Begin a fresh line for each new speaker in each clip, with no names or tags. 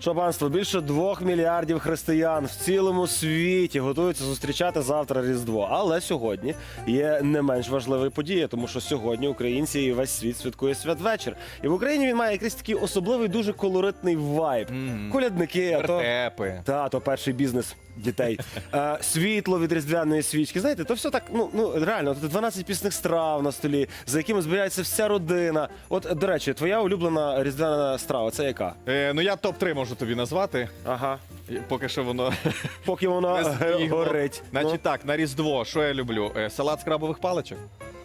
Що, панство, більше 2 мільярдів християн в цілому світі готуються зустрічати завтра Різдво. Але сьогодні є не менш важлива подія, тому що сьогодні українці і весь світ святкує святвечір. І в Україні він має якийсь такий особливий, дуже колоритний вайб. Колядники,
Вертепи.
то перший бізнес дітей. Світло від різдвяної свічки. Знаєте, то все так, реально, 12 пісних страв на столі, за якими збирається вся родина. От, до речі, твоя улюблена різдвяна страва, це яка?
Я топ-3 можу тобі назвати.
Ага.
Поки що воно
Поки воно
не збігло.
горить.
Значить так, на Різдво, що я люблю? Салат з крабових паличок,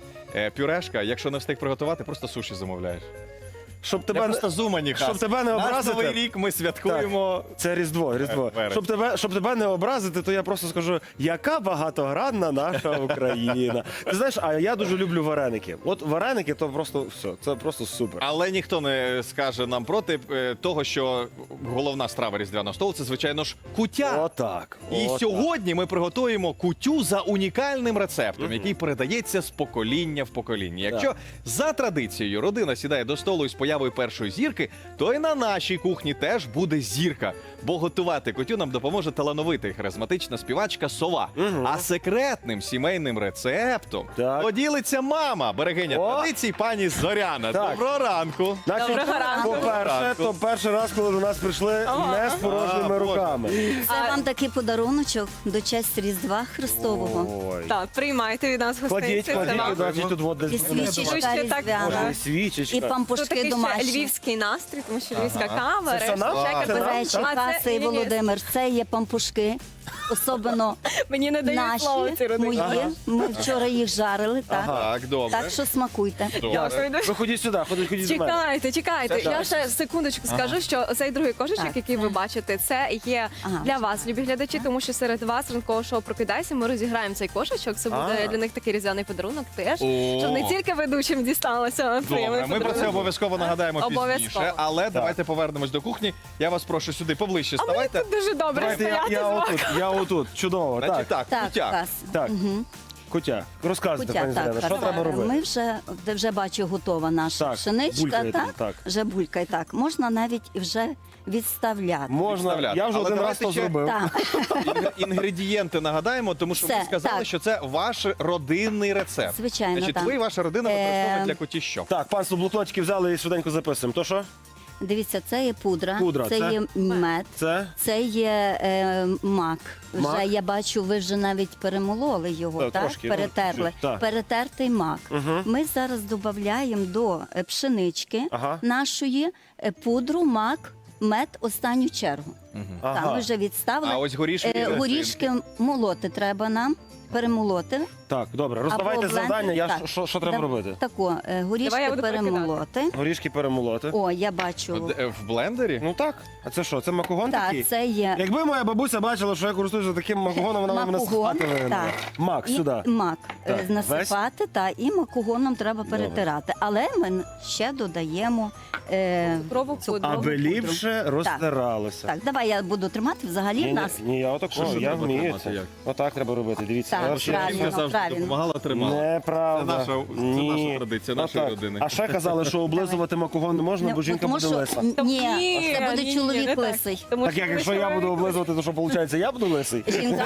пюрешка. Якщо не встиг приготувати, просто суші замовляєш.
Щоб
Я
тебе,
просто з Умані,
щоб тебе не
Наш
образити.
Новий рік ми святкуємо.
Це Різдво.
Вересень.
Щоб тебе не образити, то я просто скажу, яка багатогранна наша Україна. Ти знаєш, а я дуже люблю вареники. От вареники, то просто все, це просто супер.
Але ніхто не скаже нам проти того, що головна страва різдвяного столу – це, звичайно ж, куття.
Отак.
І сьогодні ми приготуємо кутю за унікальним рецептом, який передається з покоління в покоління. Якщо за традицією родина сідає до столу із появою першої зірки, то і на нашій кухні теж буде зірка. Бо готувати кутю нам допоможе талановита і харизматична співачка Сова. А секретним сімейним рецептом поділиться мама, берегиня традицій пані Зоряна.
Так.
Доброго ранку!
Доброго ранку.
По-перше, то перший раз, коли до нас прийшли не з порожніми руками.
Це вам такий подаруночок до честь Різдва Христового.
Ой.
Так, приймайте від нас
Кладіть,
гостинці.
значить, тут вот
І
десь.
свічечка
Бачите, так,
різдвяна.
Боже, і
І
свічечка.
Тут
пампушки
такий ще
домашні.
львівський настрій, тому що львівська кава,
Це все нам?
решта
Це
всяке.
нам?
До речі,
А це-
Кася і
ні-ні-ні,
Володимир, це є пампушки. Особливо
Мені не дають
наші,
слова ці родині.
мої. Ми вчора їх жарили, так.
Так, добре.
Так що смакуйте.
Дякую дуже.
Ви ходіть сюди, ходіть до мене.
Чекайте.
Це
Я
так.
ще секундочку скажу, що цей другий кошечок,
Так,
який ви бачите, це є
Ага.
для вас, любі глядачі, тому що серед вас ранкового шоу «Прокидайся» ми розіграємо цей кошечок. Це буде для них такий різдвяний подарунок теж, щоб не тільки ведучим дісталося приємний
Добре, ми про це
подарунок.
обов'язково нагадаємо
Обов'язково.
пізніше, але давайте повернемось до кухні. Я вас прошу сюди поближче
А мені
ставайте.
тут дуже добре
Давайте
стояти з вами.
я отут. Чудово.
Значить
Так,
так,
Так,
кутя.
Кас.
так. Кутя. Розказуйте,
Кутя,
пані
так,
Зоряна, що
Кас.
треба робити?
Ми вже бачу, готова наша
Так,
пшеничка.
булькає
Так,
там, так.
вже булькає, так. Можна навіть і вже відставляти.
Можна,
Відставляти.
я вже
Але
один раз
давайте
то
ще-
зробив.
Так,
Інгредієнти нагадаємо, тому що ви
Все,
сказали,
так.
що це ваш родинний рецепт.
Звичайно,
Значить,
так.
ви і ваша родина використовують для куті що?
Так, панство, блокнотики взяли і швиденько записуємо. То що?
дивіться, це є пудра,
Пудра,
це
це?
є мед,
Це?
це є мак.
Мак?
Вже я бачу, ви вже навіть перемололи його,
Так,
так?
трошки,
Перетерли.
чуть-чуть, так.
Перетертий мак. Ми зараз додаємо до пшенички
Ага.
нашої пудру, мак, мед останню чергу. Так, ми вже відставили.
А ось горішки.
Горішки молоти треба нам, перемолоти.
Так, добре, роздавайте
Або блендер,
завдання, я
так.
що треба робити?
Тако,
Давай я
горішки
буду
перемолоти.
Горішки перемолоти.
О, я бачу.
В блендері?
Ну так. А це що, це макогон такий?
Так, це є
Якби моя бабуся бачила, що я користуюся таким макогоном, вона мене
макогон,
спати вигнала.
так.
Мак,
І
сюди.
мак
Так,
насипати, і макогоном треба перетирати. Але ми ще додаємо
Цукрову пудру.
цукрову
Аби
пудру.
ліпше розтиралося.
Так, давай я буду тримати. Взагалі в нас
Ні, я отако,
Що
я
треба
вмію
тримати,
це.
як?
Отак треба робити, дивіться.
Так,
Я взагалі-
правильно.
Жінка завжди
правильно.
допомагала, тримала.
Неправда.
Це наша традиція, нашої
Отак.
родини.
А ще казали, що облизувати макогон не можна, бо жінка
тому
буде
що
лиса.
ні,
Ні,
це буде
ні,
чоловік
не так.
лисий.
Тому
Так як якщо я буду облизувати, то що виходить, я буду лисий?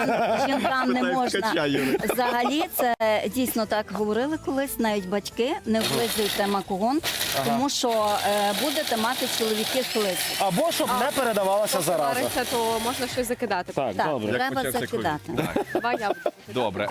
Жінкам не
Питаю
можна.
ткача, Юрій.
Взагалі, це дійсно так говорили колись, навіть батьки, не облизуйте макогон, тому що будете мати чоловіки лисих.
Або щоб не передавалася зараза.
Вариться, то можна щось закидати.
Так,
Так,
добре.
треба
почався
закидати.
Давай я буду.
Добре.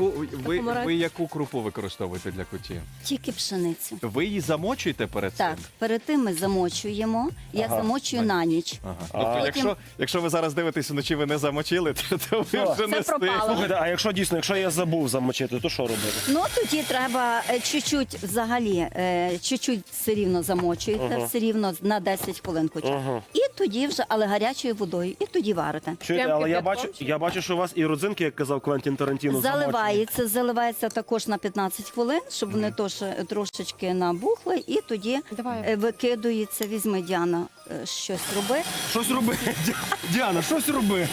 Ви яку крупу використовуєте для куті?
Тільки пшеницю.
Ви її замочуєте перед цим?
Так, перед тим ми замочуємо. Я замочую на ніч.
Тобто, якщо ви зараз дивитесь вночі, ви не замочили, то ви вже не
пропало.
встигли.
Слухайте, а якщо дійсно, якщо я забув замочити, то що робити?
Ну тоді треба чуть-чуть взагалі, чуть-чуть все рівно замочуєте, все рівно на 10 хвилин хоча. І тоді вже, але гарячою водою, і тоді варите.
Чуєте,
Прям
але
кипятком?
я бачу, що у вас і родзинки, як казав Квентін Тарантіно, замочені.
Заливається також на 15 хвилин, щоб вони трошечки набухли, і тоді
Давай.
викидується. Візьми, Діана, щось роби.
Щось роби, Діана, щось роби.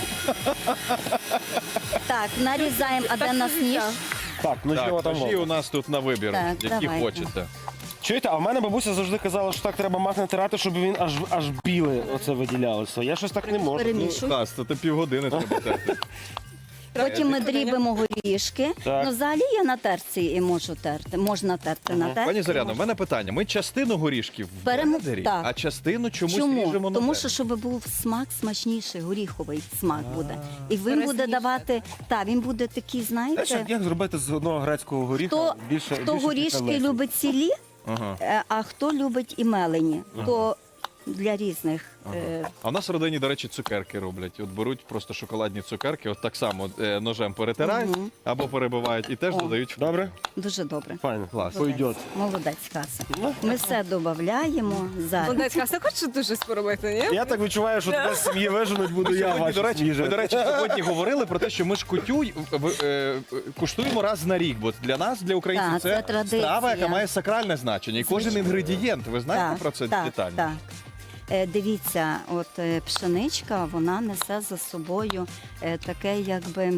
Так, нарізаємо, а де в нас ніж?
Так, ну
Так,
що там?
ножі у нас тут на вибір,
Так,
які
давайте.
хочете.
Чуєте, а в мене бабуся завжди казала, що так треба мак натирати, щоб він аж біле оце виділялося. Я щось так не можу.
Перемішуй.
Хас, то півгодини треба терти.
Потім ми дрібимо горішки.
Так.
Ну, взагалі я на терці і можу терти. Можна терти на терці.
Пані Зоряно, в
можна.
мене питання. Ми частину горішків в
Беремо-
блендері,
так.
а частину чомусь
Чому?
ріжемо на
Тому
терці.
що, щоб був смак смачніший, горіховий смак буде. І він буде
Корисніше.
давати, він буде такий,
Знаєш,
знаєте,
як зробити з одного грецького горіха
хто горішки любить цілі,
Ага.
а хто любить і мелені, то для різних.
А в нас в родині, до речі, цукерки роблять. От беруть просто шоколадні цукерки, от так само ножем перетирають або перебивають і теж
О.
додають.
Добре? Дуже добре.
Файно,
Клас.
пойдет.
Молодець, Каса. Ми все додаємо зараз.
Молодець, Кася, хочеш дуже щось поробити, ні?
Я так відчуваю, що тебе з сім'ї виженуть, буду я
Сьогодні,
ваші
ми, до речі, сьогодні говорили про те, що ми ж кутю куштуємо раз на рік, бо для нас, для українців,
Так, це традиція.
страва, яка має сакральне значення. І кожен інгредієнт, ви знаєте про це детально?
Так. Дивіться, от пшеничка, вона несе за собою таке, якби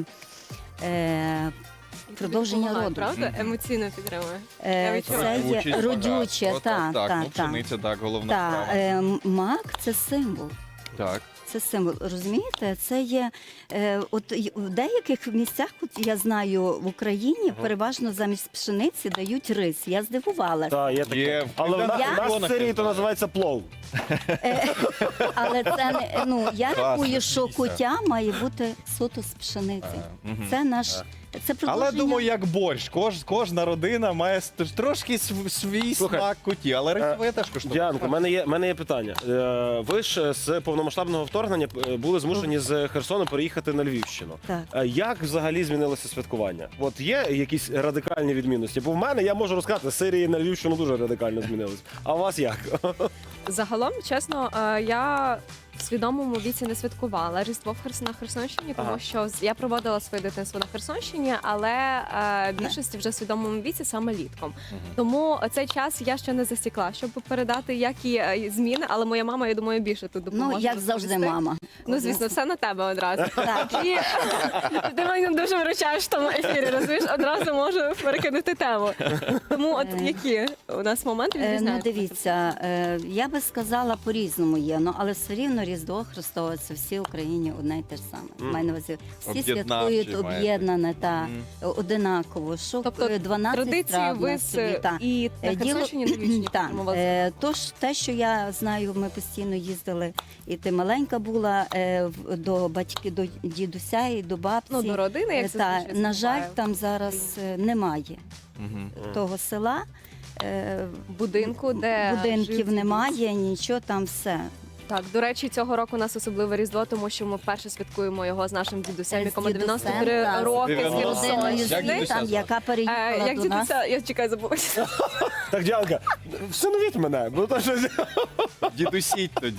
продовження
Допомагає,
роду.
Правда? Емоційно підтримує. Я відчуваю.
Це є родюче,
От,
так,
так.
так,
Ну, пшениця, так, головна
Так,
справа.
мак це символ.
Так.
Це символ, розумієте? Це є в деяких місцях, от я знаю, в Україні переважно замість пшениці дають рис. Я здивувалася.
Так, є таке.
Є.
Але в
Я-
нас в Сирії то називається плов.
Але це не я
Класно,
рахую, що
дивіться.
куття має бути суто з пшениці. Це наш це продовження.
Але думаю, як борщ, кожна родина має трошки свій
Слухай,
смак куті, але речове теж коштує.
Діанко, в мене є питання. Ви ж з повномасштабного вторгнення були змушені з Херсону переїхати на Львівщину.
Так.
Як взагалі змінилося святкування? От є якісь радикальні відмінності? Бо в мене, я можу розказати, з Сирії на Львівщину дуже радикально змінилось. А у вас як?
Загалом, чесно, я в свідомому віці не святкувала Різдво на Херсонщині, тому
Ага.
що я проводила своє дитинство на Херсонщині, але більшості вже в свідомому віці саме літком. Тому цей час я ще не засікла, щоб передати які зміни, але моя мама, я думаю, більше тут допоможе.
Ну, як завжди,
розповісти.
мама.
Ну, звісно, все на тебе одразу.
Так.
І ти мене дуже виручаєш в тому ефірі, розумієш, одразу можу перекинути тему. Тому от які у нас моменти
Ну,
відрізняються?
дивіться, я би сказала, по-різному є, але все рівно Різдво Христове, це всі в Україні одне й те ж саме. Маю на увазі, всі
Об'єднавчі
святкують
маєте.
об'єднане та одинаково. Що
Тобто
12
традиції
страв
ви
на собі, та.
і на Херсонщині, і на Львівщині
Так,
підтримували?
тож те, що я знаю, ми постійно їздили, і ти маленька була до батьків, до дідуся і до бабці.
Ну, до родини, як
Та,
зазвичай
на
це
жаль,
буває.
там зараз немає того села.
Будинку, де
Будинків
жив
немає, нічого там все.
Так, до речі, цього року у нас особливе Різдво, тому що ми вперше святкуємо його з нашим дідусем,
З
якому
дідусем,
93
так, з
роки. з
90.
родиною
Як
жили
дідуся
там,
звати?
яка переїхала
Як
до нас.
дідуся, я чекаю, забулася.
Так, Діанка, всиновіть мене, бо то щось...
Дідусіть тоді.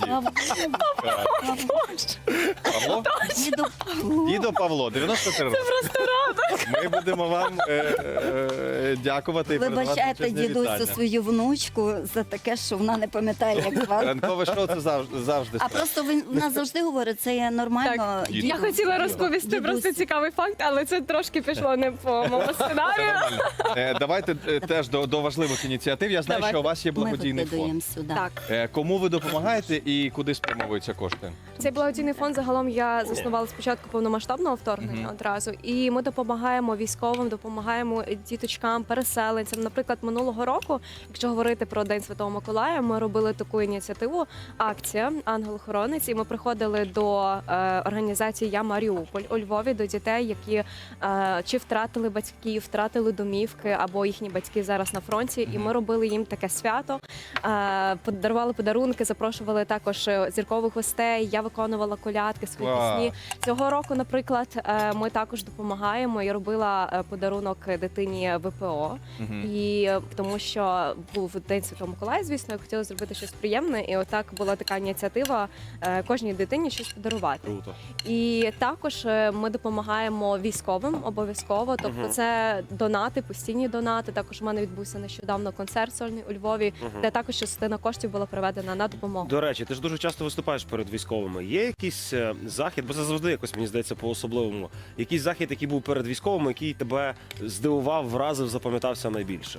Павло?
Діду Павлу.
Дідо Павло, 93 роки. Це просто радок. Ми будемо вам дякувати і передавати
Вибачайте
величезне
дідусю
вітання.
свою внучку за таке, що вона не пам'ятає, як звати.
Ранкове шоу це завжди
А просто вона завжди говорить, це є нормально.
Так,
Діду.
я хотіла розповісти
Дідусь.
просто цікавий факт, але це трошки пішло не по моєму сценарію.
Давайте теж до важливих ініціатив. Я знаю,
Давайте.
що у вас є
Ми
благодійний
викидаємо
фонд.
сюди.
Так.
Кому ви допомагаєте і куди спрямовуються кошти?
Цей благодійний фонд загалом я заснувала спочатку повномасштабного вторгнення одразу. І ми допомагаємо військовим, допомагаємо діточкам, переселенцям. Наприклад, минулого року, якщо говорити про День Святого Миколая, ми робили таку ініціативу, акція «Ангел-охоронець», і ми приходили до організації «Я Маріуполь» у Львові, до дітей, які чи втратили батьків, втратили домівки, або їхні батьки зараз на фронті. І ми робили їм таке свято, подарували подарунки, запрошували також зіркових гостей. Я виконувала колядки, свої
Клас.
пісні. Цього року, наприклад, ми також допомагаємо. Я робила подарунок дитині ВПО, і тому що був День Святого Миколая, звісно, я хотіла зробити щось приємне, і отак була така ініціатива кожній дитині щось подарувати.
Круто.
І також ми допомагаємо військовим обов'язково. Тобто це донати, постійні донати. Також у мене відбувся нещодавно концерт сольний у Львові, де також частина коштів була проведена на допомогу.
До речі, ти ж дуже часто виступаєш перед військовими. Є якийсь захід, бо це завжди якось, мені здається, по-особливому. Якийсь захід, який був перед військовими, який тебе здивував, вразив, запам'ятався найбільше?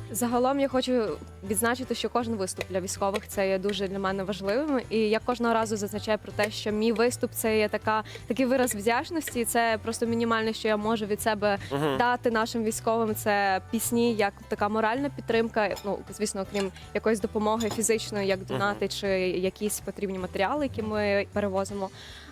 Загалом я хочу відзначити, що кожен виступ для військових це є дуже для мене важливим. І я кожного разу зазначаю про те, що мій виступ це є такий вираз вдячності. Це просто мінімальне, що я можу від себе дати нашим військовим. Це пісні, як така моральна підтримка. Ну, звісно, окрім якоїсь допомоги фізичної, як донати чи якісь потрібні матеріали, які ми перевозимо.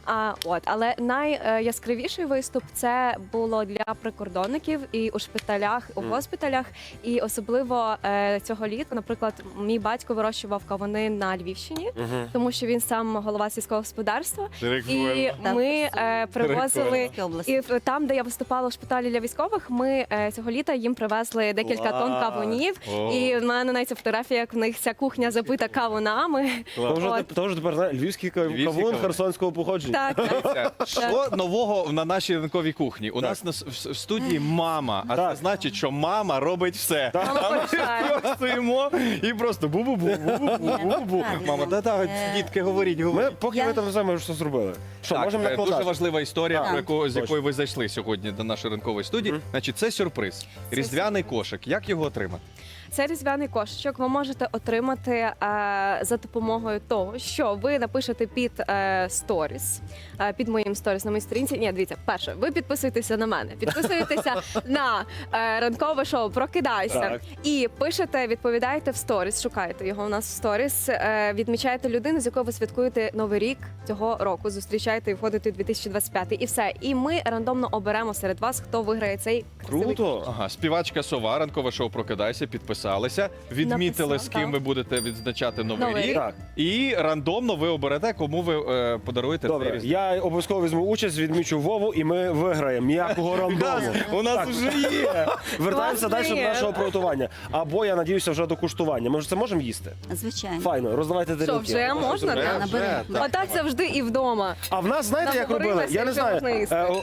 Але найяскравіший виступ це було для прикордонників і у шпиталях, у госпіталях. І особливо цього літа, наприклад, мій батько вирощував кавуни на Львівщині, тому що він сам голова сільського господарства. І ми привозили і там, де я виступала в шпиталі для військових, ми цього літа їм привезли декілька тонн кавунів. І в мене навіть фотографія, як в них ця кухня забита кавунами.
Тож тепер знає, львівський кавун херсонського походження.
Так.
Що нового на нашій ранковій кухні? У нас в студії мама, а це значить, що мама робить все. А ми стоїмо і просто бу-бу-бу, бу-бу-бу. Мама, та-та, дітки, говоріть.
Поки ви там знаємо, що зробили. Що, можемо
Так, дуже
накладати?
важлива історія, з
Точно.
якою ви зайшли сьогодні до нашої ранкової студії. Значить, це сюрприз. Різдвяний кошик. Як його отримати?
Цей різдвяний кошечок ви можете отримати за допомогою того, що ви напишете під сторіс, під моїм сторіс на моїй сторінці. Ні, дивіться, перше, ви підписуєтеся на мене, підписуєтеся на ранкове шоу «Прокидайся»
Так.
і пишете, відповідаєте в сторіс, шукаєте його у нас в сторіс, відмічаєте людину, з якою ви святкуєте Новий рік цього року, зустрічаєте і входите у 2025. І все. І ми рандомно оберемо серед вас, хто виграє цей красивий
Круто.
Ага, співачка Сова, ранкове шоу «Прокидайся», підписалися, відмітили,
Написала,
з ким
так.
ви будете відзначати Новий
Новий
рік.
рік.
Так.
І рандомно ви оберете, кому ви подаруєте цей
Добре,
різдвяний.
я обов'язково візьму участь, відмічу Вову, і ми виграємо ніякого рандому.
У нас вже є.
Вертаємося далі до
Класний.
нашого приготування. Або, я надіюся, вже до куштування. Ми ж це можемо їсти?
Звичайно.
Файно, роздавайте
Що,
тарілки.
вже можна?
Вже,
Так?
Наберемо.
так.
Отак завжди і вдома.
А в нас, знаєте, як робили?
Наговорилися,
Я не
що
знаю.
можна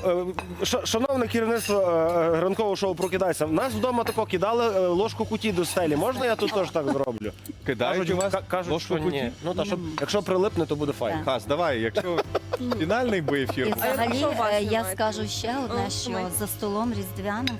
їсти.
Шановне керівництво ранкового шоу «Прокидайся», в нас вдома тако кидали ложку куті до стелі. Можна я тут теж так зроблю?
Кидають у вас
Кажуть,
ложку
що
куті?
ні. Ну, та, якщо прилипне, то буде файно.
Так.
Хас, давай, якщо фінальний би
І
ефір.
взагалі
що у вас
я
немає?
скажу ще одне, що
Немає.
за столом різдвяним,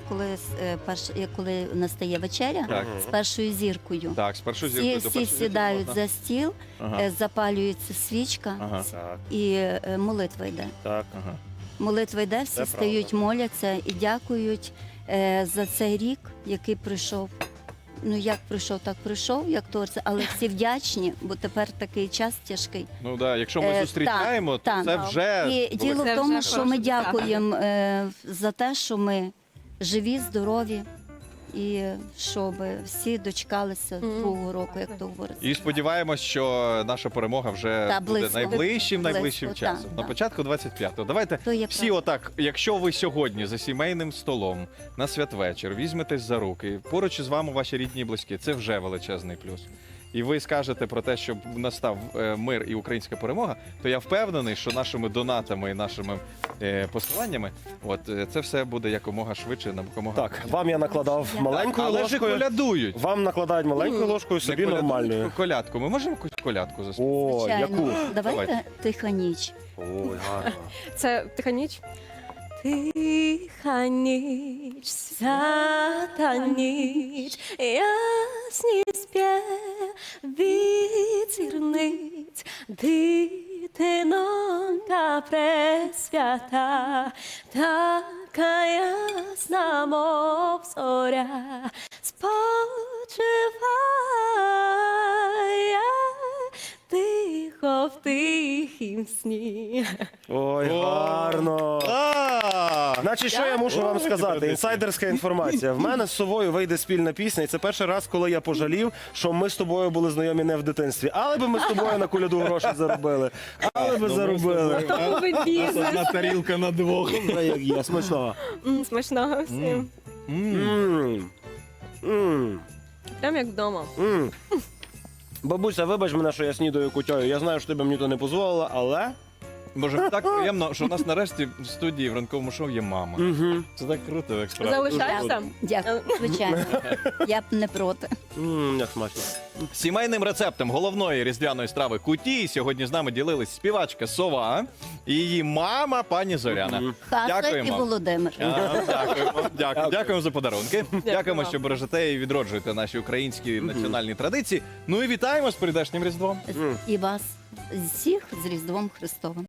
коли настає вечеря,
Так.
з першою зіркою.
Так, спершу зіркою до
Всі
першої
сідають
можна.
за стіл,
Ага.
запалюється свічка
Ага.
Так,
і молитва йде.
так.
Ага.
Молитва йде, всі
Це
стають, моляться і дякують за цей рік, який пройшов. Ну як пройшов, так пройшов, як торце, але всі вдячні, бо тепер такий час тяжкий.
Ну да, якщо ми зустрічаємо, то
так.
це вже
І діло
Це
в тому,
вже
що ми
хороше досягнення.
дякуємо за те, що ми живі, здорові, і щоб всі дочекалися другого року, як то говориться.
І сподіваємось, що наша перемога вже
Та,
буде
близько.
найближчим
Близько,
часом.
так,
На
так.
початку 25-го. Давайте
То є
всі
правда.
отак, якщо ви сьогодні за сімейним столом на святвечір візьметесь за руки, поруч із вами ваші рідні і близькі, це вже величезний плюс. І ви скажете про те, щоб настав мир і українська перемога, то я впевнений, що нашими донатами і нашими посиланнями, це все буде якомога швидше, якомога.
Так, вам я накладав маленькою
Але ж
ложкою.
колядують.
Вам накладають маленькою ложкою, собі
Не колядують,
нормальною.
колядку. Ми можемо якусь колядку заспівати?
О,
Звичайно.
яку?
Давайте
Давайте.
тиха ніч.
Ой, гарно.
Це тиха ніч. Тиха ніч, свята ніч, ясні спів від зірниць, дитинонька пресвята, така ясна, мов зоря, спочиває тихо в тихім сні.
Ой, гарно. Значить, що я мушу вам сказати? Інсайдерська інформація. В мене з Совою вийде спільна пісня, і це перший раз, коли я пожалів, що ми з тобою були знайомі не в дитинстві. Але би ми з тобою на коляду гроші заробили. Але би заробили.
Новий бізнес.
Одна тарілка на двох.
Як є, смачного.
Смачного всім.
М. М.
Прям як вдома.
М. Бабуся, вибач мене, що я снідаю кутьою. Я знаю, що ти б мені то не дозволила, але
Боже, так приємно, що у нас нарешті в студії в ранковому шоу є мама.
Угу.
Це так круто, як справді.
Залишаєшся?
Дякую, звичайно. Я б не проти.
Як смачно.
Сімейним рецептом головної різдвяної страви куті сьогодні з нами ділились співачка Сова і її мама пані Зоряна.
Хаса і
Дякуємо.
Володимир.
Дякуємо за подарунки. Дякуємо,
вам.
що бережете і відроджуєте наші українські національні традиції. Ну і вітаємо з прийдешнім Різдвом.
І вас всіх з Різдвом Христовим.